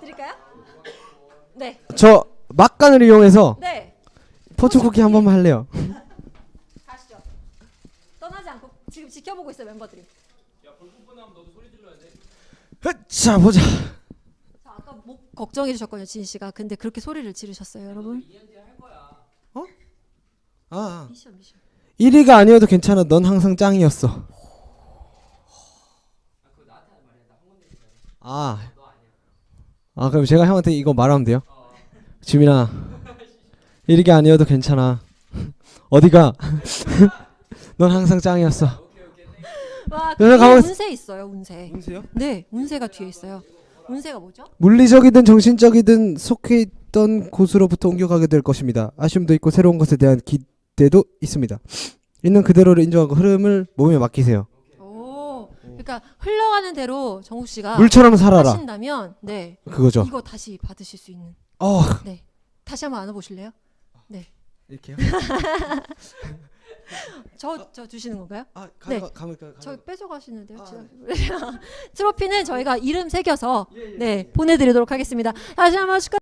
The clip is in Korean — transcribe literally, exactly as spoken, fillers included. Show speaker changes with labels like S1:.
S1: 드릴까요? 네.
S2: 저 막간을 이용해서
S1: 네.
S2: 포춘 쿠키 한 번만 할래요.
S1: 가시죠. 떠나지 않고 지금 지켜보고 있어요 멤버들이.
S2: 자 보자.
S1: 자, 아까 목 걱정해 주셨거든요 진 씨가. 근데 그렇게 소리를 지르셨어요 여러분.
S2: 어? 아
S1: 미션 미션.
S2: 일 위가 아니어도 괜찮아. 넌 항상 짱이었어. 아, 아 그럼 제가 형한테 이거 말하면 돼요? 지민아, 일 위가 아니어도 괜찮아. 어디가? 넌 항상 짱이었어.
S1: 와,
S2: 그래서
S1: 뒤에
S2: 가만히-
S1: 운세 있어요 운세.
S2: 운세요?
S1: 네, 운세가 뒤에 있어요. 운세가 뭐죠?
S2: 물리적이든 정신적이든 속해 있던 곳으로부터 옮겨가게 될 것입니다. 아쉬움도 있고 새로운 것에 대한 기대도 있습니다. 있는 그대로를 인정하고 흐름을 몸에 맡기세요.
S1: 오, 그러니까 흘러가는 대로 정욱 씨가
S2: 물처럼 살아라.
S1: 하신다면, 네,
S2: 그거죠.
S1: 이거 다시 받으실 수 있는.
S2: 어,
S1: 네, 다시 한번 안아보실래요? 네,
S2: 이렇게요?
S1: 저 저 주시는 건가요?
S2: 아,
S1: 네.
S2: 가면 가면 가면.
S1: 저 뺏어가시는데요.
S2: 아,
S1: 지금. 트로피는 저희가 이름 새겨서 네 보내드리도록 하겠습니다. 다시 한번 축하.